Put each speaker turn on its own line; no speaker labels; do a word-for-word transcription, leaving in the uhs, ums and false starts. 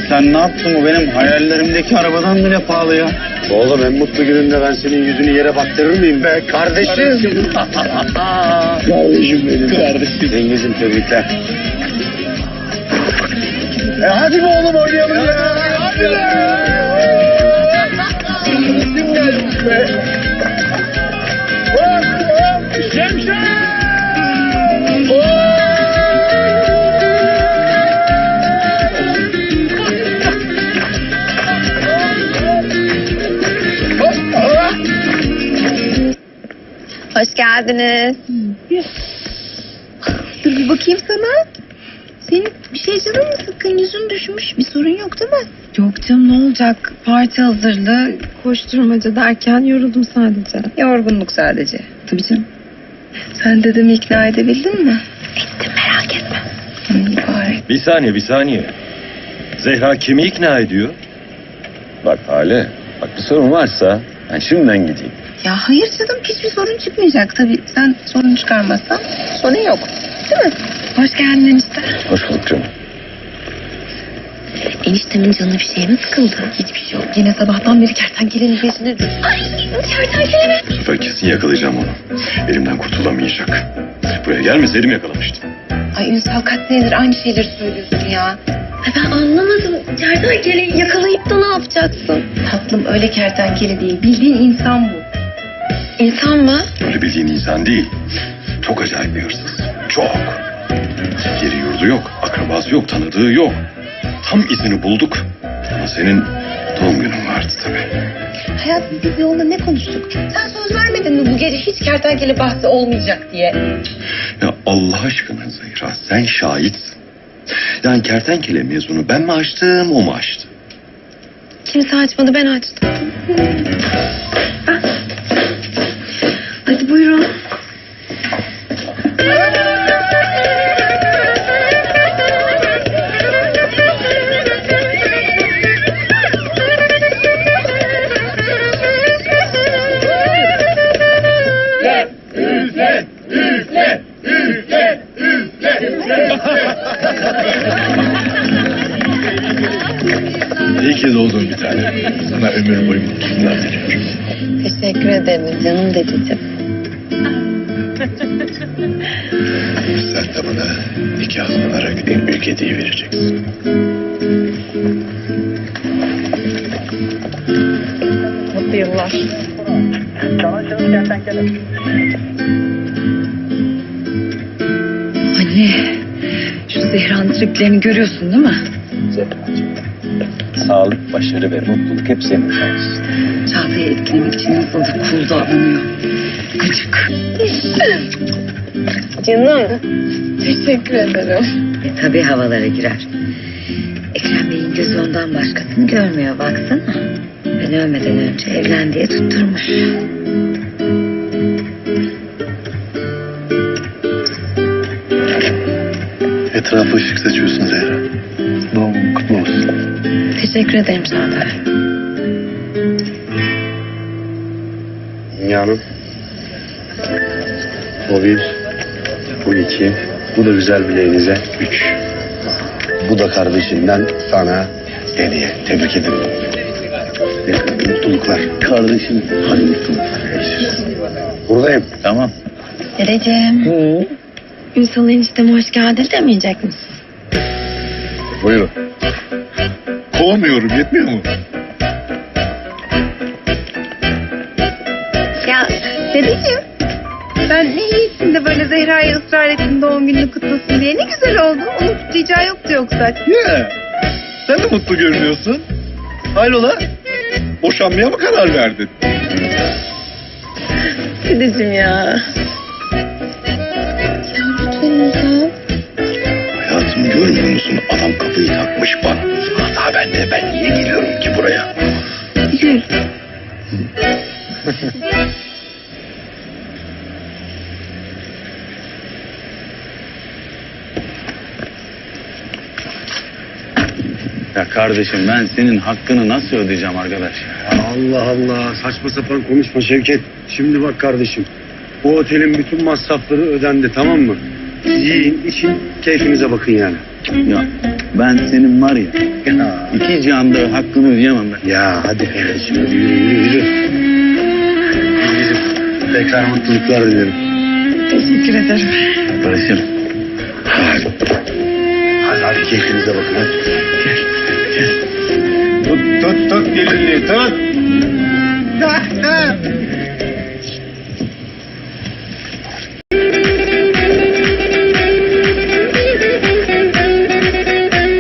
sen ne yaptın? O benim hayallerimdeki arabadan bile pahalı ya.
Oğlum en mutlu gününde ben senin yüzünü yere baktırır mıyım be kardeşim? Kardeşim, kardeşim benim. Kardeşim. Dengiz'im tebrikler. E hadi be oğlum oynayalım ya. Hadi be. Kim gelmiş be? Hop hop şemşek.
Hoş geldiniz. Dur bir bakayım sana. Senin bir şey canın mı sıkkın? Yüzün düşmüş. Bir sorun yok değil mi?
Yok canım, ne olacak? Parti hazırlığı, koşturmaca derken yoruldum sadece.
Yorgunluk sadece.
Tabii canım. Sen dedemi ikna edebildin mi?
Ettim, merak etme.
İyi bari.
Bir saniye, bir saniye. Zehra kimi ikna ediyor? Bak Hale, bak bir sorun varsa ben şimdiden gideyim.
Ya hayır canım, hiçbir sorun çıkmayacak. Tabii sen sorun çıkarmazsan sorun yok. Değil mi?
Hoş geldin enişte.
Hoş bulduk canım.
Eniştemin canı bir şeye mi sıkıldı?
Hiçbir şey yok. Yine sabahtan beri kertenkelenin peşinde.
Ay kertenkele mi?
Bu sefer kesin yakalayacağım onu. Elimden kurtulamayacak. Buraya gelmeseydim yakalamıştım.
Ay Ünsal kaç senedir aynı şeyleri söylüyorsun ya. Ay ben anlamadım. Kertenkeleyi yakalayıp da ne yapacaksın? Tatlım öyle kertenkele değil. Bildiğin insan bu.
İnsan mı?
Öyle bildiğin insan değil. Çok acayip bir hırsız. Çok. Yeri yurdu yok, akrabası yok, tanıdığı yok. Tam izini bulduk. Ama senin doğum günün vardı tabii.
Hayatım biz yolda ne konuştuk? Sen söz vermedin mi bu gece hiç kertenkele bahsi olmayacak diye?
Ya Allah aşkına Zehra, sen şahitsin. Yani kertenkele mezunu ben mi açtım, o mu açtı?
Kimse açmadı, ben açtım. Ah. Hadi buyurun.
İyi ki doğdun bir tane. Sana ömür boyu mutluluklar diliyorum.
Teşekkür ederim canım dedeciğim.
Sen de bana nikah olarak en büyük hediye vereceksin.
Mutlu yıllar.
Anne, şu Zehra'nın triplerini görüyorsun değil mi?
Sağlık, başarı ve mutluluk hep senin olsun.
Çağatay'ı etkilemek için nasıl da cool davranıyor. Gıcık.
Canım. Teşekkür ederim.
E, tabii havalara girer. Ekrem Bey'in gözü ondan başkasını görmüyor, baksana. Ben ölmeden önce evlen diye tutturmuş.
Etrafı ışık saçıyorsun Zehra. Doğum kutlu olsun.
Teşekkür ederim Çağatay.
Dünyanın. O bir. Bu iki. Bu da güzel bileğinize. Üç. Bu da kardeşinden sana hediye. Tebrik ederim. Mutluluklar. Kardeşim. Hadi mutluluklar. Görüşürüz. Buradayım.
Tamam.
Dedeciğim. Ünsal enişteme hoş geldin demeyecek misin?
Buyurun. Kovmuyorum, yetmiyor mu?
Ya dedeciğim. Ben ne iyi ettin de böyle Zehra'ya ısrar ettin doğum gününü kutlasın diye. Ne güzel oldu. Onu kutlayacağı yoktu yoksa.
Ya, sen de mutlu görünüyorsun. Hayrola? Boşanmaya mı karar verdin?
Dedeciğim ya. Lütfen Ünsal.
Hayatım görmüyor musun? Adam kafayı takmış bana. Hata bende. Ben niye geliyorum ki buraya?
Gül.
Ya kardeşim ben senin hakkını nasıl ödeyeceğim arkadaş?
Allah Allah. Saçma sapan konuşma Şevket. Şimdi bak kardeşim. Bu otelin bütün masrafları ödendi, tamam mı? Siz yiyin, için, keyfinize bakın yani.
Ya ben senin var ya iki cihanda hakkını ödeyemem ben.
Ya hadi kardeşim, hadi yürü yürü yürü. Bizim tekrar mutluluklar dilerim.
Teşekkür ederim.
Barış'ım.
Hadi. Hadi hadi keyfinize bakın hadi. Gel, gel. Tut tut tut gelinliği tut.